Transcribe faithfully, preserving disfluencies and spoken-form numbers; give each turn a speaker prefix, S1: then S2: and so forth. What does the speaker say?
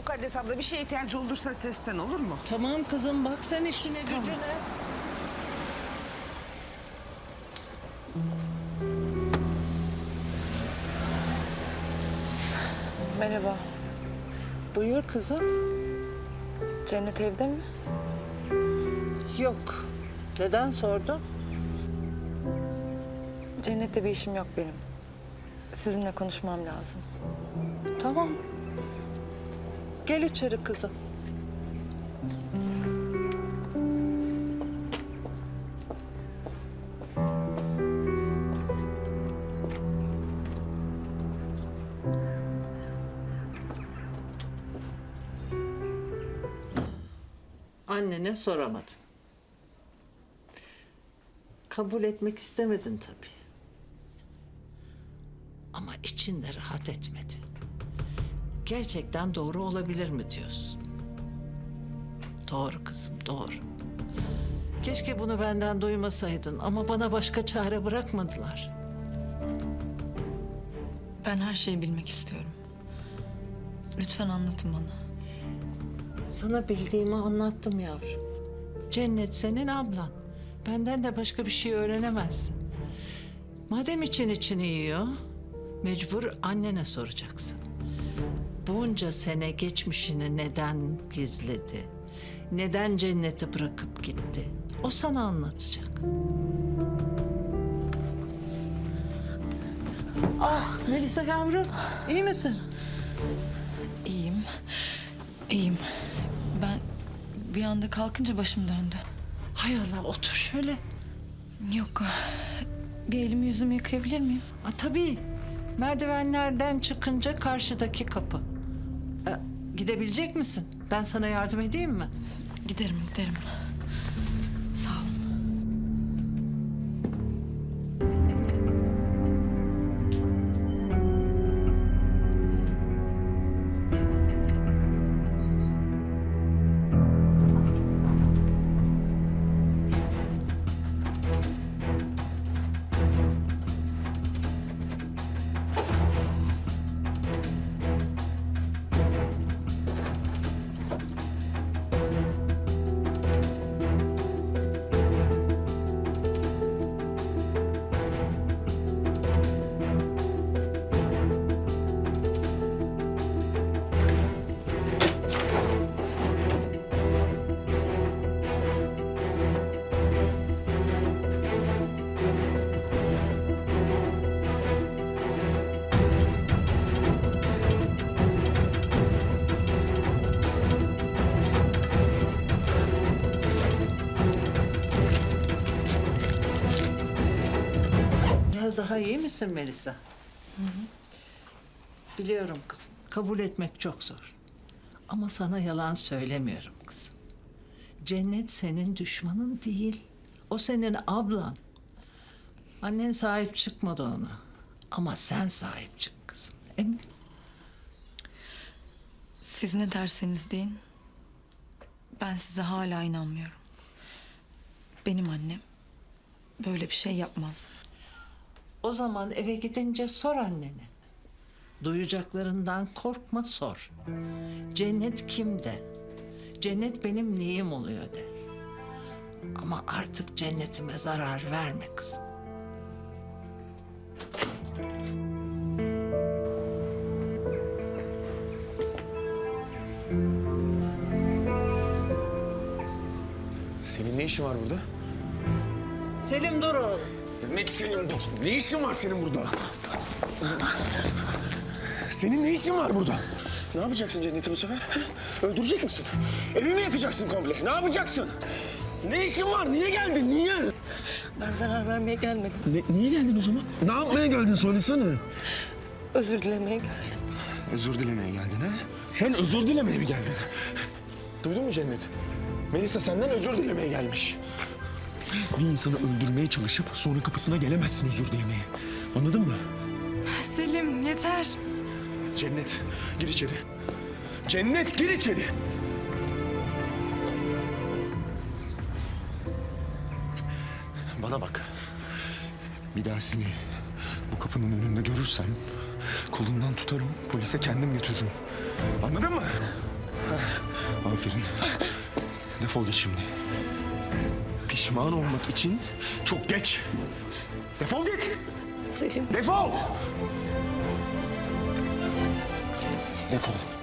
S1: Mukaddes abla bir şeye ihtiyacı olursa seslen, olur mu?
S2: Tamam kızım, bak sen işine
S1: Tamam.
S2: gücüne.
S3: Merhaba.
S2: Buyur kızım.
S3: Cennet evde mi?
S2: Yok. Neden sordun?
S3: Cennet'te bir işim yok benim. Sizinle konuşmam lazım.
S2: Tamam. Gel içeri kızım. Annene soramadın. Kabul etmek istemedin tabii. Ama içinde rahat etmedi. Gerçekten doğru olabilir mi diyorsun? Doğru kızım, doğru. Keşke bunu benden duymasaydın ama bana başka çare bırakmadılar.
S3: Ben her şeyi bilmek istiyorum. Lütfen anlatın bana.
S2: Sana bildiğimi anlattım yavrum. Cennet senin ablan. Benden de başka bir şey öğrenemezsin. Madem için içini yiyor, mecbur annene soracaksın. Bunca sene geçmişini neden gizledi? Neden Cennet'i bırakıp gitti? O sana anlatacak. Ah Melisa yavrum, iyi misin?
S3: İyiyim. İyiyim. Ben bir anda kalkınca başım döndü.
S2: Hay Allah, otur şöyle.
S3: Yok. Bir elimi yüzümü yıkayabilir miyim?
S2: Ha, tabii. Merdivenlerden çıkınca karşıdaki kapı. E, gidebilecek misin? Ben sana yardım edeyim mi?
S3: Giderim, giderim. Sağ olun.
S2: Biraz daha iyi misin Melisa? Hı hı. Biliyorum kızım. Kabul etmek çok zor. Ama sana yalan söylemiyorum kızım. Cennet senin düşmanın değil. O senin ablan. Annen sahip çıkmadı ona. Ama sen sahip çık kızım. Emin.
S3: Siz ne derseniz deyin. Ben size hala inanmıyorum. Benim annem böyle bir şey yapmaz.
S2: O zaman eve gidince sor annene. Duyacaklarından korkma, sor. Cennet kimde? Cennet benim neyim oluyor de. Ama artık cennetime zarar verme kızım.
S4: Senin ne işin var burada?
S2: Selim dur oğlum.
S4: Demek senin ne işin var senin burada? Senin ne işin var burada? Ne yapacaksın Cennet'i bu sefer? Öldürecek misin? Evi mi yakacaksın komple? Ne yapacaksın? Ne işin var? Niye geldin? Niye?
S3: Ben zarar vermeye gelmedim.
S4: Ne, niye geldin o zaman? Ne yapmaya geldin? Söylesene.
S3: Özür dilemeye geldim.
S4: Özür dilemeye geldin ha? Sen özür dilemeye mi geldin? Duydun mu Cennet? Melisa senden özür dilemeye gelmiş. Bir insanı öldürmeye çalışıp sonra kapısına gelemezsin özür dilemeye. Anladın mı?
S3: Selim yeter.
S4: Cennet gir içeri. Cennet gir içeri. Bana bak. Bir daha seni bu kapının önünde görürsem kolundan tutarım, polise kendim götürürüm. Anladın mı? Aferin. Defol git şimdi. Pişman olmak için çok geç. Defol git.
S3: Selim.
S4: Defol. Defol.